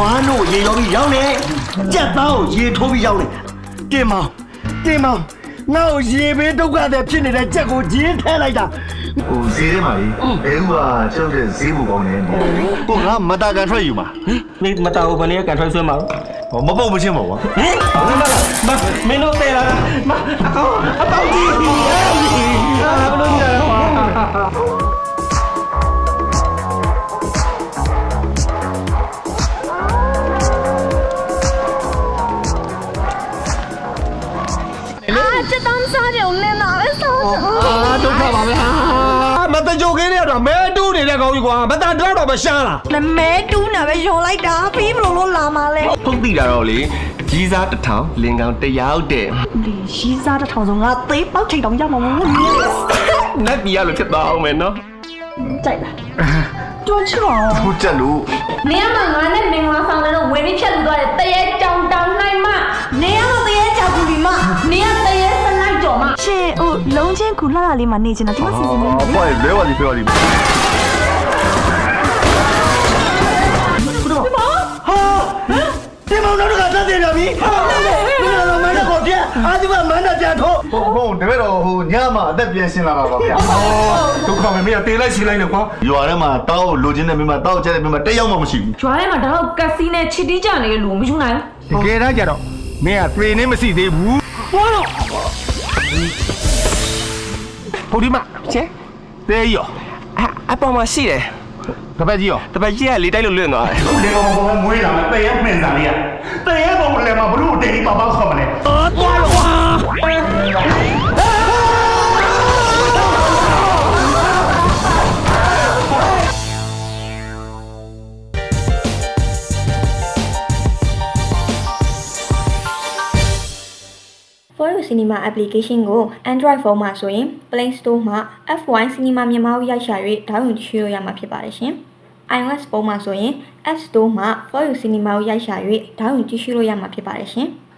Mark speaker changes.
Speaker 1: နွားတို့ရေရောပြီးရောက်နေကြက်သားကိုရေထိုးပြီးရောက်နေတင်မောင်ငါ့ကိုရေဘေးဒုက္ခတွေဖြစ်နေတဲ့ကြက်ကိုဂျင်းထဲလိုက်တာ
Speaker 2: ဟိုဈေးထဲမှာလေဘဲဥကကျောက်တဲ့ဈေးဘူကောင်းနေတယ်
Speaker 1: ကိုငါမတာကန်ထွက်ယူမှာ
Speaker 3: မင်းမတော်ဘူးဘယ်နည်းကန်ထွက်ဆွဲမှာ
Speaker 2: ဟောမပုတ်မချင်းပါကွာ
Speaker 3: မင်းတို့တဲ့လားမအကောအပေါင်းကြီးဘယ်လိုကြလဲဟော
Speaker 4: 这当啥就来拿来烧。
Speaker 3: ဒုက္ခပါပဲမတကြိုကင်းရတော့မဲတူးနေတဲ့ကောင်းကြီးကွာမတန်တော့မရှားလား
Speaker 4: 那没တူးနာပဲယုံလိုက်တာပြီးဘလို့လာမလဲ
Speaker 5: ဖုတ်တိတာတော့လေကြီးစားတစ်ထောင်လင်ကောင်တစ်ယောက်တဲ့
Speaker 4: ဒီရှိစားတဲ့ထောင်ဆုံးငါသေးပေါက်ထိတ်တောင်ရမှာမဟုတ်ဘူး
Speaker 5: နတ်ပြည်ရလို့ဖြစ်သွားအောင်မယ်နော်
Speaker 4: ကြိုက်လားတွန်းချော
Speaker 2: ဟိုတက်လို့
Speaker 6: နေရာမှာငါနဲ့မင်္ဂလာဆောင်တဲ့တော့ဝင်ပြီးဖြတ်လူသွားတယ်တရေကြောင်တောင်နိုင်မ
Speaker 4: နေရမသေးကြောက်ဘူးဒီမ
Speaker 6: နေရတရေစလိုက်ကြော်မ
Speaker 4: ရှင်ဟိုလုံးချင်းကူလှလာလေးမှာနေချင်တာဒီမှာစီစဉ်နေတယ်
Speaker 2: အဖွားလဲဝါဒီပြောဒီ
Speaker 1: ဟာတင်မောင်တို့ကတက်တယ်ဗျာပြီဟာမင်းတို့မန္တကိုပြအာဒီကမန္တပြန်ထိုး
Speaker 2: ဟုတ်တပည့်တော်ဟိုညမှာအသက်ပြန်ရှင်းလာပါပါဗျာ
Speaker 3: ဒုက္ခပဲမင်းတေးလိုက်ရှင်းလိုက်နေကွာ
Speaker 2: ရွာထဲမှာတောက်လိုချင်တဲ့မိမတောက်ကျတဲ့မိမတက်ရောက်မှမရှိဘူး
Speaker 6: ကျွားထဲမှာတော့ကက်စီနဲ့ချစ်တီးကြနေတဲ့လူမယူနိုင်
Speaker 3: တကယ်တမ်းကျတော့မင်းကပြေနေမရှိသေးဘူးဟောတော့ဟိုဒီမှာချဲတေးရော
Speaker 5: အပေါ်မှာရှိတယ်
Speaker 3: တပတ်ကြီးရော
Speaker 5: တပတ်ကြီးကလေးတိုက်လို့လွင့်သွားတယ်
Speaker 2: လေကောင်ကောင်မွေးလာမယ်တည့်ရမှင်စားလေးရတည့်ရကောင်လည်းမဘလို့တိတ်ပါပါခေါ်မလဲ
Speaker 7: For You Cinema application ကို Android phone မှာဆိုရင် Play Store မှာ F1 Cinema မြန်မာကိုရိုက်ရှာ၍ဒေါင်းလုဒ်ကြည့်လို့ရမှာဖြစ်ပါတယ်ရှင်။ iOS ဖုန်းမှာဆိုရင် App Store မှာ For You Cinema ကိုရိုက်ရှာ၍ဒေါင်းလုဒ်ကြည့်လို့ရမှာဖြစ်ပါတယ်ရှင်။